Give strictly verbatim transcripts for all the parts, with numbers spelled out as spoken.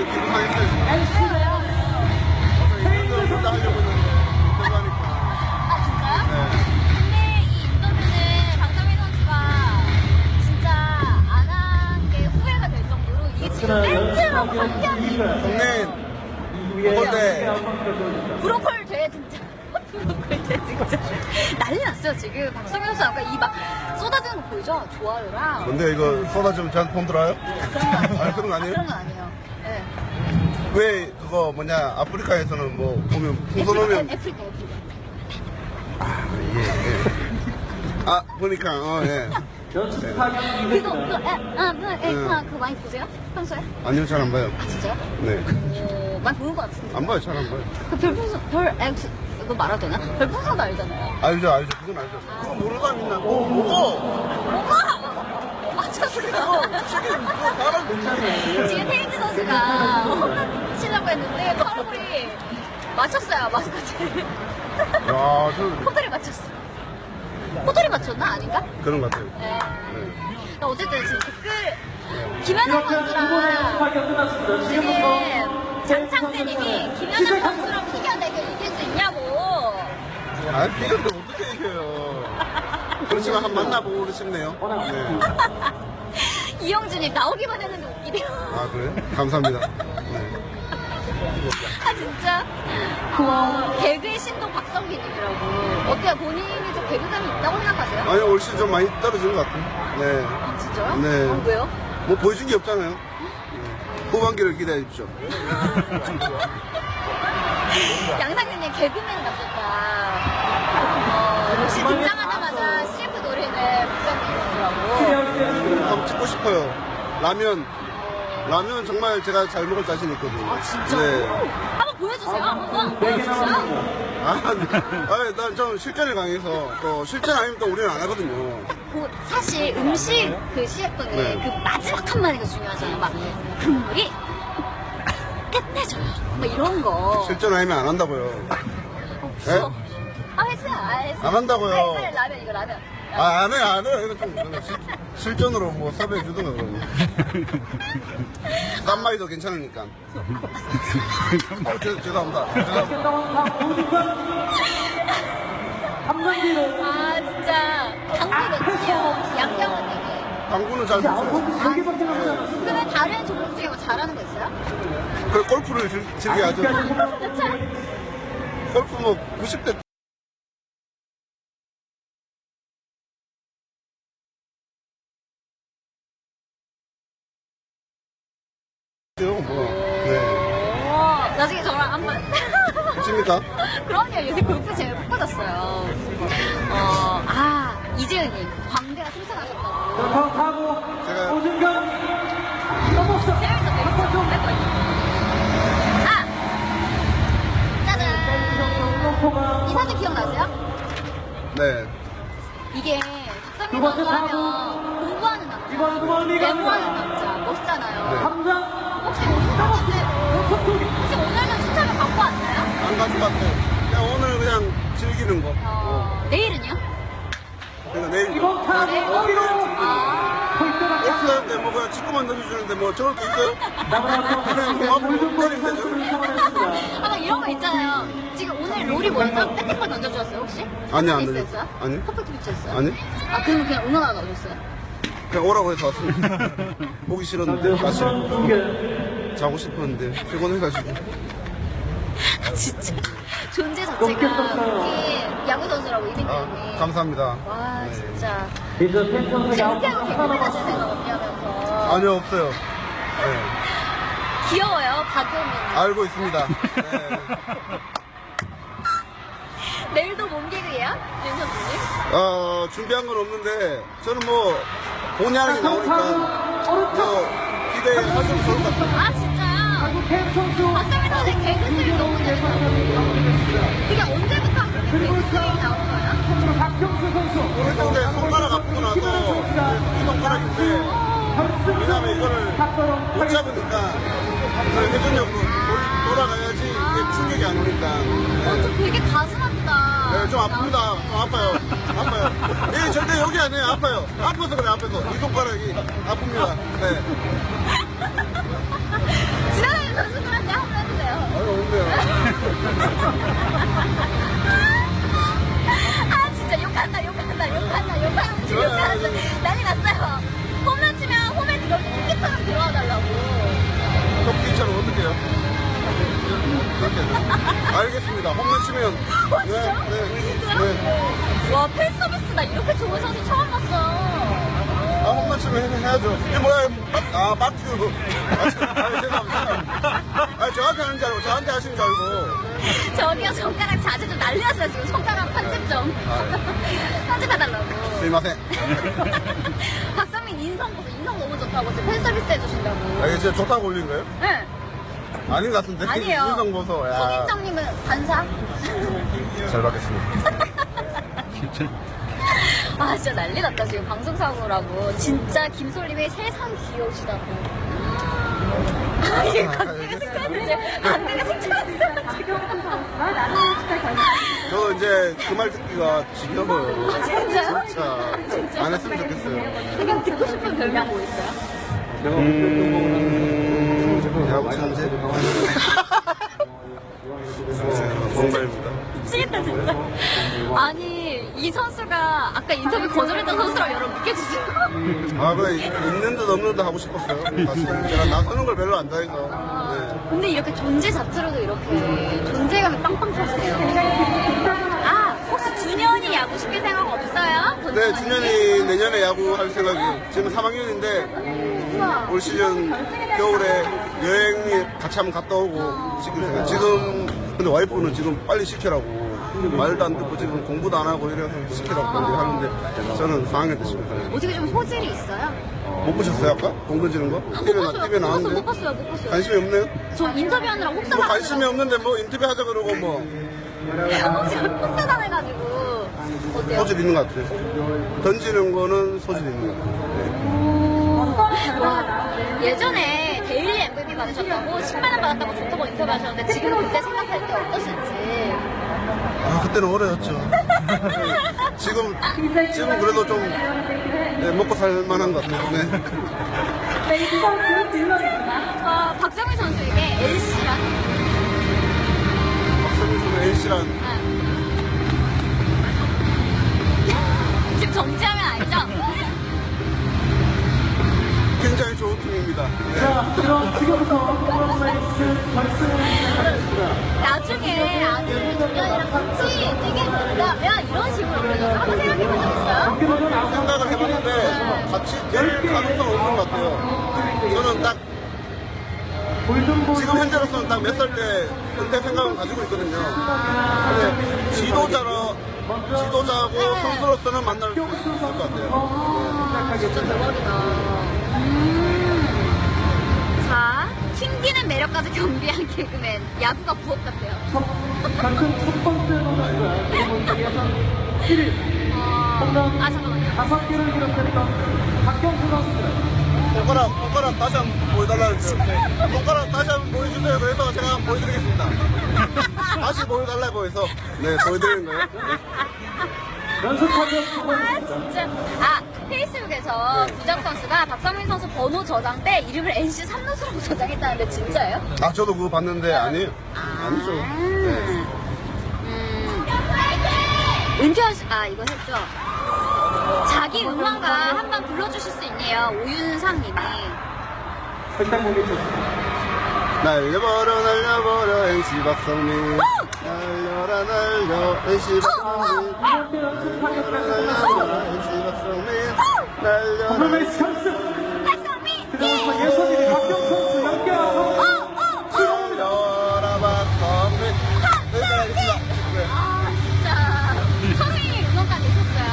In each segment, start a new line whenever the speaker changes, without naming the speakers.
지금 기분 상했어요.
왜요?
이런 걸 다 하려고 했는데 그거 하니까.
아 진짜요?
네.
근데 이 인터뷰는 박성민 선수가 진짜 안 한 게 후회가 될 정도로 이게 지금 팬츠하고 함께하는
동네 그건데
브로콜 대회 진짜 브로콜 대회 진짜 난리 났어요 지금. 박성민 선수 아까 이 막 쏟아지는 거 보이죠? 좋아요랑
근데 이거 쏟아지면 저한테 돈 들어요?
그런 거 아니에요.
아, 그런 거 아니에요?
그런 거 아니에요. 네.
왜 그거 뭐냐 아프리카에서는 뭐 보면 풍선 오면
애프리카 애프리카.
예, 예. 아 보니까 어 예.
그거 그거 에, 아, 그, 에, 그, 그 많이 보세요? 평소에?
아니요 잘 안 봐요.
아 진짜요?
네.
어, 많이 보는 것 같은데.
안 봐요 잘 안 봐요.
그 별풍선 별 X 이거 말아도 되나? 별풍선도 알잖아요.
알죠 알죠 그건 알죠. 그거 모르는 사람 있나? 어 뭐고?
엄마! 맞췄어요.
사람 괜찮네.
지금 테이크 선수가 홈런 치려고 했는데 파울이 맞췄어요 마스코트.
야저
호돌이 맞췄어. 호돌이 맞췄나 아닌가?
그런 것 같아요.
네.
네.
그러니까 어쨌든 지금 댓글 김현우 선수랑 지금 장창재님이 김현우 선수랑 피겨 대결 이길 수 있냐고.
아 비교도 어떻게 이겨요? 그렇지만 한 번 만나보고 싶네요. 네.
이영준이 나오기만 했는데 웃기네요.
아 그래? 감사합니다. 네.
아 진짜 어, 개그의 신동 박성빈이라고. 어때요? 본인이 좀 개그감이 있다고 생각하세요?
아니 올 시즌 좀 많이 떨어진 것 같아요. 네.
아 진짜요?
네.
어, 왜요?
뭐 보여준 게 없잖아요. 네. 후반기를 기대해 주십시오.
양상진님 개그맨 같았다. 어, 역시 등장하자마자 씨에프 노리는 박성빈이라고.
한번 찍고 싶어요. 라면. 라면 정말 제가 잘 먹을 자신 있거든요.
아 진짜?
네.
한번 보여주세요. 한번 보여주세요.
아, 네. 난좀 실전을 강해서 또 실전 아니면 또 우리는 안 하거든요.
그 사실 음식 그 씨에프는
네.
그 마지막 한마디가 중요하잖아요. 막 국물이 끝내줘요. 막 이런 거.
실전 아니면 안 한다고요.
없어. 아 했어요. 아, 했어요.
안 한다고요.
빨리, 빨리 라면 이거 라면.
아, 안 해, 안 해. 이거 좀 실, 실전으로 뭐 섭외해 주든가 그러면. 쌈마이도 괜찮으니까. 어, 죄, 죄송합니다. 죄송합니다.
아 진짜 당구 넣지요. 양념은 되게.
당구는 잘 못해요.
그러면 다른 종목 중에 뭐 잘하는 거 있어요?
그 골프를 즐, 즐겨야죠.
그쵸?
골프 뭐 구십 대 뭐. 네.
오, 나중에 저랑 한번.
십니까?
그럼요. 요새 골프 제일 못 받았어요. 어, 아, 이재은님. 광대가 승천하셨다고.
제가
재밌어, 재밌어. 아! 짜잔! 이 사진 기억나세요?
네.
이게 박성민 선수 하면 공부하는 남자, 메모하는 남자, 멋있잖아요. 혹시 오늘 혹시 오늘도 추천을 받고 왔나요?
안 가져갔어요. 그냥 오늘 그냥 즐기는 거.
어, 내일은요?
그러니까 내일.
내일? 아,
골프하는데 뭐 그냥 축구만 던져주는데 뭐 저럴 게 있어요? 그냥 뭐 앞으로 때리면 되죠.
아, 막 이런 거 있잖아요. 지금 오늘 롤이 뭐였죠? 배팅볼 던져주셨어요, 혹시?
아니요, 안
퍼펙트
던졌어요.
피치였어요?
아니요.
퍼펙트 피치였어요?
아니?
아, 그럼 그냥 응원하러 오셨어요?
그냥 오라고 해서 왔습니다. 보기 싫었는데 다시 자고 싶었는데 피곤해가지고.
아, 진짜. 존재 자체가 특히 야구 선수라고 이등병이.
아, 감사합니다.
와,
네.
진짜. 은퇴하고 개그맨 하실 생각 없냐면서.
아니요, 없어요. 네.
귀여워요, 박용민.
알고 있습니다. 네.
내일도 몸개그예요? 윤 선수님?
어, 준비한 건 없는데, 저는 뭐, 본의 아니게 나오니까, 뭐, 기대하셔도 좋을 것 같아요.
아, 진짜요? 박성민 선수 개그스를 너무 잘하거든요. 그게 언제부터 그렇게 개그스를 나온 거예요?
오늘 근데 손가락 아프고 나서, 이 손가락인데, 왜냐면 이거를 못 잡으니까 저희 회전력으로 돌- 돌아가야지 이게 충격이 안 오니까.
어, 좀 되게 가슴 아프다.
네, 좀 아픕니다. 좀 아파요. 아파요. 예, 절대 여기 아니에요. 아파요. 아파서 그래, 아파서. 이 손가락이 아픕니다. 네.
지나가는 선수들한테 한번 해주세요.
아유, 없네요.
아, 진짜 욕한다, 욕한다, 욕한다, 욕한다, 지금 욕한다. 난리 났어요. 홈런 치면 홈에 들어올 때 토끼처럼 들어와 달라고.
토끼처럼 어떻게 해요? 이렇게. 알겠습니다. 홈런 치면.
어, 진짜?
네, 네.
진짜요?
네.
와, 팬 서비스 나 이렇게 좋은 선수 처음 봤어.
아, 홈런 치면 해- 해야죠. 이게 뭐야? 아, 마트. 아, 아, 죄송합니다. 아, 저한테 하는 줄 알고, 저한테 하시는 줄 알고.
저기요, 손가락 자주 좀 난리 났어요, 지금. 손가락 편집 좀. 편집해달라고.
스미마셍.
박상민 인성 보고 인성 너무 좋다고 지금 팬 서비스 해주신다고.
아, 이게 진짜 좋다고 올린 거예요?
네.
아닌 것 같은데.
아니에요.
인성 보소. 야.
손인정님은 반사?
잘 받겠습니다.
아, 진짜 난리 났다, 지금. 방송사고라고. 진짜 김솔님이 세상 귀여우시다고. 아, 이게 관계가 승천했어, 지금. 관계가 승천했어, 지금.
저도 이제 그 말 듣기가 지겨워요.
아, 진짜요?
진짜.
진짜?
안 했으면 좋겠어요.
지금 듣고 싶은 별명 뭐 있어요?
음, 야구 천재? 정말입니다.
미치겠다, 진짜. 아니, 이 선수가 아까 인터뷰 거절했던 선수라고 여러분 믿겨주세요.
아, 그래, 있는 듯 없는 듯 하고 싶었어요. 사실. 제가 나서는 걸 별로 안 좋아해서. 네.
근데 이렇게 존재 자체로도 이렇게 존재감이 빵빵 터지네요. 아, 혹시 준현이 야구 시킬 생각 없어요?
네, 준현이 내년에 야구 할 생각이. 지금 삼 학년인데,
우와.
올 시즌 겨울에 여행이 같이 한번 갔다 오고 시킬 생각. 지금, 근데 와이프는 지금 빨리 시키라고. 말도 안 듣고 지금 공부도 안 하고 이래서 시키라고 하는데, 저는 사 학년 때 시켰어요.
어떻게 좀 소질이 있어요?
못 보셨어요, 아까? 공 던지는 거?
못
티비에,
봤어요,
나, 티비에
못 봤어요,
나왔는데?
못 봤어요, 못 봤어요.
관심이 없네요?
저 인터뷰하느라 혹사
뭐 관심이 없는데 뭐 인터뷰 하자 그러고 뭐
혹사 당해가지고. 어때요?
소질 있는 것 같아요. 던지는 거는 소질 있는 것 같아요.
와, 예전에 데일리 엠브이피 받으셨다고 십만 원 받았다고 좋다고 인터뷰하셨는데 지금 그때 생각할 때 어떠신지.
아, 그때는 어려웠죠. 지금, 지금 그래도 좀, 네, 먹고 살 만한 것 같아요. 네.
어, 박정희 선수에게 엘씨란?
박성민 선수 N씨란
지금 정지하면 알죠?
굉장히 좋은 팀입니다. 네.
자, 그럼 지금부터 프로레이스 결승을 시작하겠습니다.
나중에 아들 준현이랑 같이 뛰게 된다면 이런 식으로 그려져서 한번 생각해 본 적 있어요?
경기도는 아무
생각을 해봤는데 같이 될 가능성은 없는 것 같아요. 저는 딱
골든볼
지금 현재로서는 딱 몇 살 때 은퇴 생각은 가지고 있거든요. 근데 지도자로 지도자고 선수로서는 만날 수 있을 것 같아요.
아, 진짜 대박이다. 음. 자, 튕기는 매력까지 겸비한 개그맨. 야구가 부업 같아요.
첫, 결승 첫 번째 선수가 그리고 예선 일 위
어...
홈런
아, 잠깐만요.
다섯 개를 기록했던 박경수 선수입니다.
손가락, 손가락 다시 한번 보여달라는 거예요. 손가락 다시 한번 보여주세요. 그래서 제가 한번 보여드리겠습니다. 다시 보여달라고 해서 네 보여드리는 거예요.
연습하면
아, 진짜. 아, 페이스북에서 구장 선수가 박성민 선수 번호 저장 때 이름을 엔씨 삼루수라고 저장했다는데 진짜예요?
아 저도 그거 봤는데 아니에요. 아니죠. 네.
음. 은퇴하시, 아, 이거 했죠. 자기 응원가 한 번 불러주실 수 있네요. 오윤상 님이.
설탕 공개 쳤습니다.
날려버려 날려버려 엔씨 박성민 날려라 날려 엔씨 박성민 날려라 날려 엔씨 박성민 날려라
프로레이스 결승
박성민!
그다음서 예선 일 위 박경수 선수 연결하고
어, 어, 어!
날려라 박성민 네, 알겠습니다. 네.
아, 진짜. 성민이 응원까지 있었어요.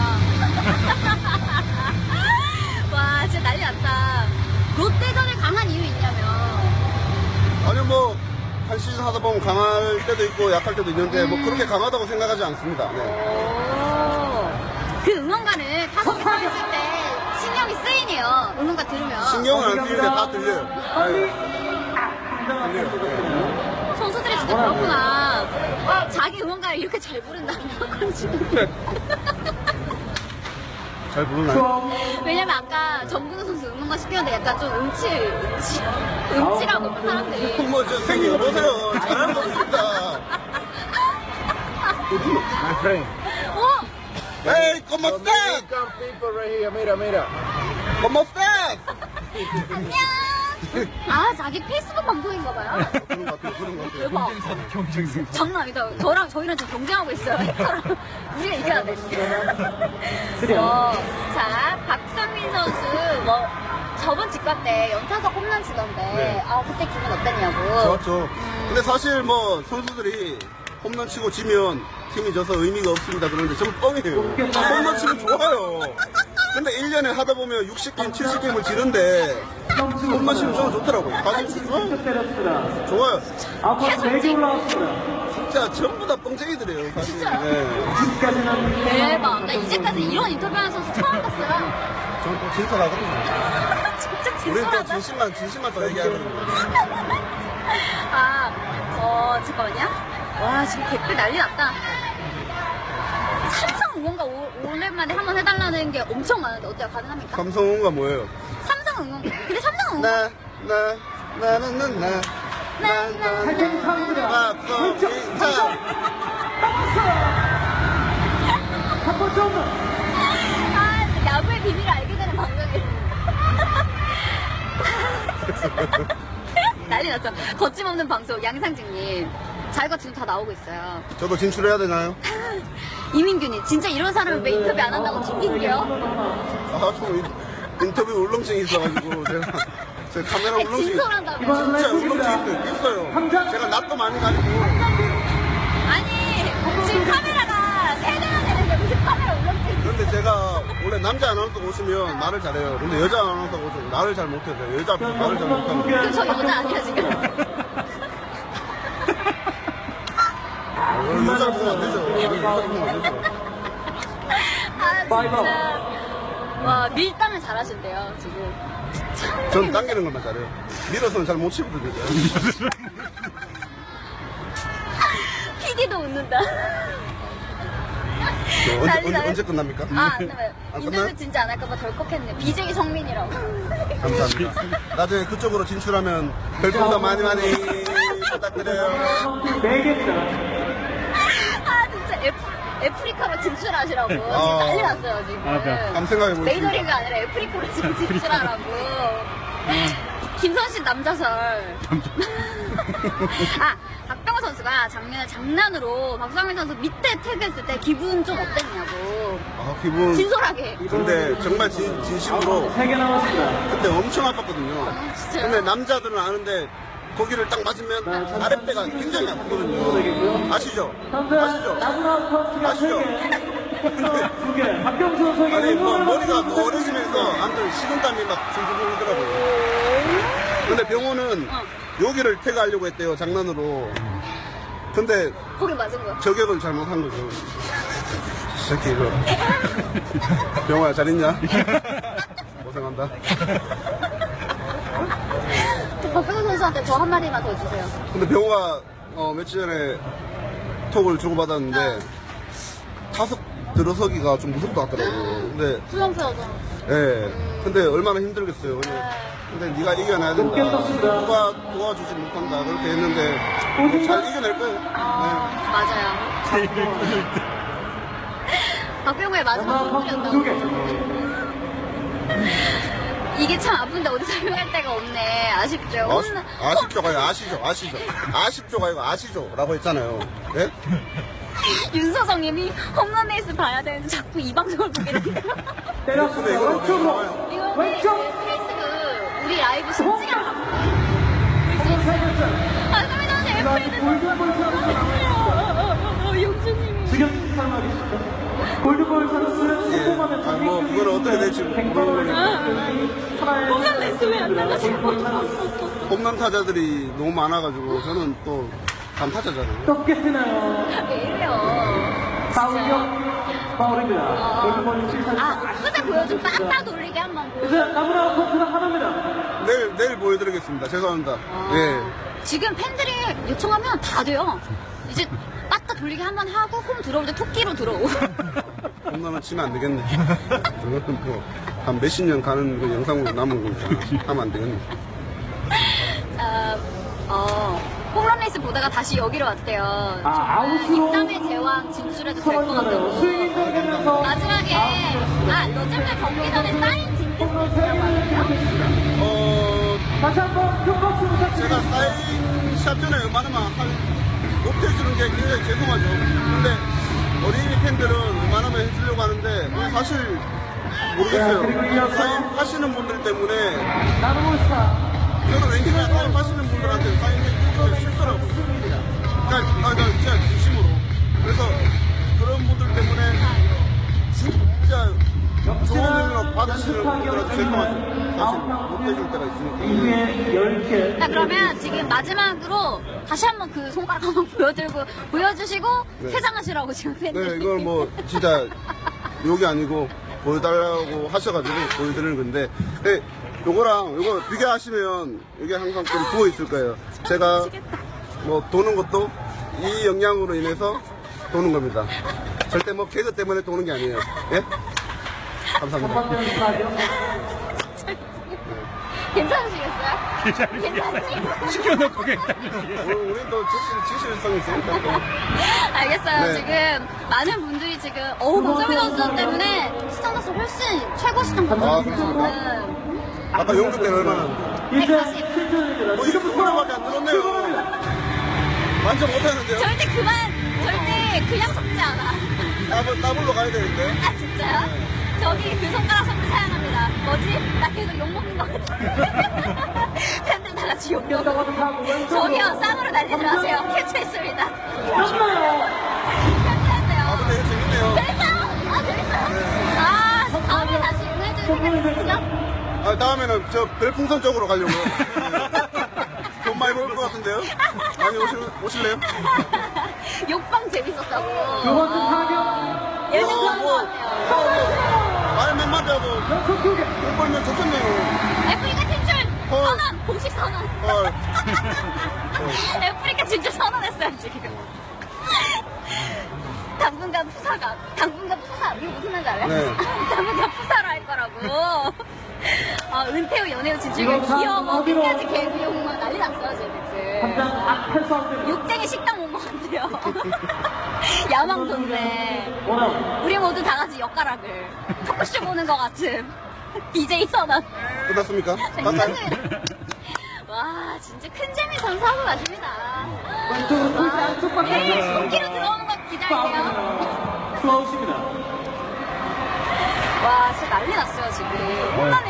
와, 진짜 난리 났다. 롯데전에 강한 이유 있냐면.
아니 뭐 한 시즌 하다 보면 강할 때도 있고 약할 때도 있는데 뭐 그렇게 강하다고 생각하지 않습니다. 네.
오. 그 응원가는 타석에 서 있을 때 신념 신경이 쓰이네요. 응원가 들으면.
신경을 안 쓰는데 다 들려요.
빨리.
아, 들려요.
선수들이 진짜 그렇구나. 자기 응원가를 이렇게 잘 부른다는 건지.
잘 부르나요?
왜냐면 아까 정근우 선수 응원가 시켰는데 약간 좀 음치, 음치, 음치라고 사람들이.
뭐, 저 생이 여보세요. 잘하는 거 없습니다.
My friend.
어?
에이, ¿cómo estás?
Come people right here. Mira, mira.
¿Cómo estás?
안녕. 아, 자기 페이스북 방송인가 봐요.
그런 것 같아요, 그런 것 같아요.
대박. 장난 아니다. 저랑, 저희랑 지금 경쟁하고 있어요. 우리가 이겨야 돼. 어, 자, 박성민 선수, 뭐, 저번 직관 때 연타석 홈런 치던데,
네.
아, 그때 기분 어땠냐고.
좋았죠. 근데 사실 뭐, 선수들이 홈런 치고 지면 팀이 져서 의미가 없습니다. 그런데 전 뻥이에요. 홈런 치면 좋아요. 근데 일 년에 하다 보면 육십 게임, 칠십 게임을 지는데, 홈런 치면 저는 좋더라고요. 사실 좋아요.
때렸습니다.
좋아요.
아파 네 개 올라왔습니다.
진짜 전부 다 뻥쟁이들이에요, 사실.
진짜요?
네.
지금까지는
대박. 나 이제까지 이런 인터뷰하는 선수 처음 봤어요.
저는 또 진솔하거든요.
진짜
우리는 또
진솔하다.
진심만, 진심만 더 얘기하거든요.
아, 어, 잠깐만요. 와, 지금 댓글 난리 났다. 삼성 응원가 오, 오랜만에 한번 해달라는 게 엄청 많은데 어때요? 가능합니까?
삼성은가 뭐예요?
삼성 응원가. 근데 삼성 응원가.
나, 나, 나는, 나, 나, 나, 나,
탈퇴 타입니다.
박성민, 자.
첫 번째 홈런.
아, 야구의 비밀을 알게 되는 방송이. 난리 났죠. 거침없는 방송, 양상직님. 자기가 지금 다 나오고 있어요.
저도 진출해야 되나요?
이민규님, 진짜 이런 사람을 왜 인터뷰 안 한다고 튕긴게요?
아, 저 인- 인터뷰 울렁증이 있어가지고, 제가, 제 카메라
아니,
울렁증이.
진솔한다고.
진짜 울렁증이 있어요. 있어요. 제가 낯도 많이 가지고.
아니, 지금 카메라가 세 대나 되는데 무슨 카메라 울렁증이 있어?
근데 제가 원래 남자 아나운서가 오시면 말을 잘해요. 근데 여자 아나운서가 오시면 말을 잘 못해요. 여자 앞에서 말을 잘 못하고.
그럼 저 여자 아니야, 지금?
어, 여자 보면 안 되죠. 여자 보면 안 되죠.
아, 진짜. 와, 밀당을 잘하신대요, 지금. 참.
전 당기는 것만 잘해요. 밀어서는 잘 못 치거든요.
피디도 웃는다.
언제,
난리
언제,
나요.
언제 끝납니까?
아, 안 나와요.
안
인터뷰
끝나요?
진짜 안 할까봐 덜컥했네. 비제이 성민이라고.
감사합니다. 나중에 그쪽으로 진출하면 별풍도 많이 많이 부탁드려요.
네 개입니다.
아, 진짜 애프, 애프리카로 진출하시라고. 지금
아.
난리 났어요, 지금.
한번 생각해보겠습니다.
메이저리그 아니라 애프리카로 지금 진출하라고. 김선신 남자설. 아, 박병호 선수가 작년에 장난으로 박성민 선수 밑에 태그했을 때 기분 좀 어땠냐고.
아, 기분.
진솔하게.
근데 정말 진, 진심으로
세 개 남았습니다.
그때 엄청 아팠거든요.
아, 진짜요?
근데 남자들은 아는데 거기를 딱 맞으면 아랫배가 굉장히 아프거든요. 아시죠?
현재
아시죠?
나무나 카운트가 세
아시죠?
개. 두 개. 박병수 선수에게
아니, 뭐,
응원을
머리가
받습니다.
어려지면서 아무튼 식은땀이 막 줄줄 흐르더라고요. 근데 병호는
어.
여기를 태그하려고 했대요, 장난으로. 근데
거기 맞은 거야.
저격을 잘못한 거죠. 이 새끼, 이거. 병호야, 잘 있냐? 고생한다.
또 박병호 선수한테 저 한마디만 더 주세요.
근데 병호가 어, 며칠 전에 톡을 주고받았는데 타석 들어서기가 좀 무섭다 하더라고. 근데
수영표죠.
예. 근데 얼마나 힘들겠어요. 근데, 근데 네가 이겨내야 된다.
높게 떴습니다.
누가 도와주지 못한다. 그렇게 했는데 잘 이겨낼 거예요.
아,
네.
맞아요. 박병호의 마지막
나무나 카운트 두 개.
선물이었다고. 이게 참 아픈데 어디 설명할 데가 없네. 아쉽죠.
아시,
홈런-
아쉽죠가 아니고 아시죠? 아시죠? 아쉽죠가 아니고 아시죠? 라고 했잖아요. 예?
윤서정님이 홈런 레이스 봐야 되는데 자꾸 이 방송을 보게 된다.
때렸습니다.
이거
왼쪽으로.
이거
왼쪽.
페이스북 우리 라이브 실시간 방송.
한번 세 개째.
아, 선배님
골든 골든볼 선수.
용준님이.
지금 설명하겠습니다. 골든볼 선수
예.
성공하면
아, 뭐, 그건 어떻게 될지 모르겠네요.
홈런 레이스 왜 안 나가시고?
홈런 타자들이 너무 많아가지고 저는 또 단타자잖아요.
또 깨뜨나요.
왜 이래요?
사우경 파울입니다. 골키퍼는 칠샷.
아, 끝에 보여준 빡빡 돌리게 한번 보여.
이제 나무라 커트가 하나입니다.
내일 내일 보여드리겠습니다. 죄송합니다.
아,
예.
지금 팬들이 요청하면 다 돼요. 이제 빡빡 돌리게 한번 하고 홈 들어올 때 토끼로 들어오고.
홈런은 치면 안 되겠네. 그거는 뭐한 몇십 년 가는 그 영상으로 남은 거니까 하면 안 되겠네.
아, 어, 홈런 레이스 보다가 다시 여기로 왔대요.
아,
정말
아웃으로
입담의 제왕 진출해도 될 것
서원이잖아요.
같다고.
스윙 되면서
마지막에 아 요즘에 경기 전에 사인
홈런 세 개.
어
다시 한번 큰 박수
제가
부탁드립니다.
사인 샷 전에 웬만하면 할 못해주는 게 굉장히 죄송하죠. 근데 어린이 팬들은 웬만하면 해주려고 하는데 사실 모르겠어요. 사인 하시는 분들 때문에
나무스타.
저는 왠지나 사인 하시는 분들한테 사인해주기가 싫더라고요. 그러니까, 아, 나 진짜 진심으로. 그래서 그런 분들 때문에 진짜 좋은 의미로 받으시는 분들한테 죄송하죠. 사실 못해줄 때가 있으니까.
이후에 열 개.
자 그러면 지금 마지막으로 다시 한번 그 손가락 한번 보여들고 보여주시고
네.
퇴장하시라고 지금 팬들이.
네, 이걸 뭐 진짜 욕이 아니고 보여달라고 하셔가지고 보여드리는 건데, 네, 요거랑 요거 비교하시면 이게 항상 좀 부어 있을 거예요. 제가 뭐 도는 것도 이 영향으로 인해서 도는 겁니다. 절대 뭐 개그 때문에 도는 게 아니에요. 예? 감사합니다.
한번 스타디움.
괜찮으시겠어요? 괜찮으시겠어요?
시켜놓고 괜찮은지.
우리, 우리 또 지실, 지실성이 있으니까 또.
알겠어요.
네.
지금 많은 분들이 지금 어우 박정민 선수 때문에 시청자 수 훨씬 최고 시청
아,
받았어요.
그렇습니까? 아까 연극 때는 얼마나?
이제 칠 점입니다.
뭐 이렇게 소리밖에 안 들었네요. 완전 못하는데요?
절대 그만 절대 그냥 속지 않아.
따블, 따블로 가야 되는데.
아 진짜요? 저기 그 손가락 선물 사용합니다. 뭐지? 나 계속 욕먹는 것 같아. 팬들 다 같이 욕먹고. 저기요, 쌍으로 날리지 마세요. 캐치했습니다.
맞나요?
아,
캐치했어요.
근데 이거 재밌네요.
재밌어요? 아, 재밌어요? 아, 다음에 다시 응해줄 생각 있으시죠?
아, 다음에는 저 별풍선 쪽으로 가려고요. 돈 많이 벌 것 같은데요? 많이 오실, 오실래요?
욕방 재밌었다고.
두 번째 타격.
예능
뭐,
그런 거
뭐,
같아요.
뭐, 뭐, 말 몇 마디 하고
연속 두 개.
돈 벌면 좋겠네요.
애프리카 진출
헐.
선언! 공식 선언.
헐.
애프리카 진출 선언했어요, 지금. 당분간 푸사가, 당분간 푸사, 이거 무슨 말인지 알아요?
네.
당분간 푸사로 할 거라고. 아, 은퇴 후 연애 후 진출가
이거 다
귀여워.
어디로?
끝까지 개그 욕만 난리 났어요, 지금.
한장 앞에 싸움.
욕쟁이 식당 온 것 같아요. 야망돈데.
원아웃.
우리 모두 다 같이 엿가락을 토크쇼 보는 것 같은 비제이 선언.
끝났습니까? 갈까요?
괜찮습니다. 와, 진짜 큰 재미 선사하고 가십니다.
왼쪽으로 풀지 안쪽
네,
방향.
손기로 들어오는 거 기다리세요.
투아웃입니다.
와, 진짜 난리 났어요, 지금. 홈런에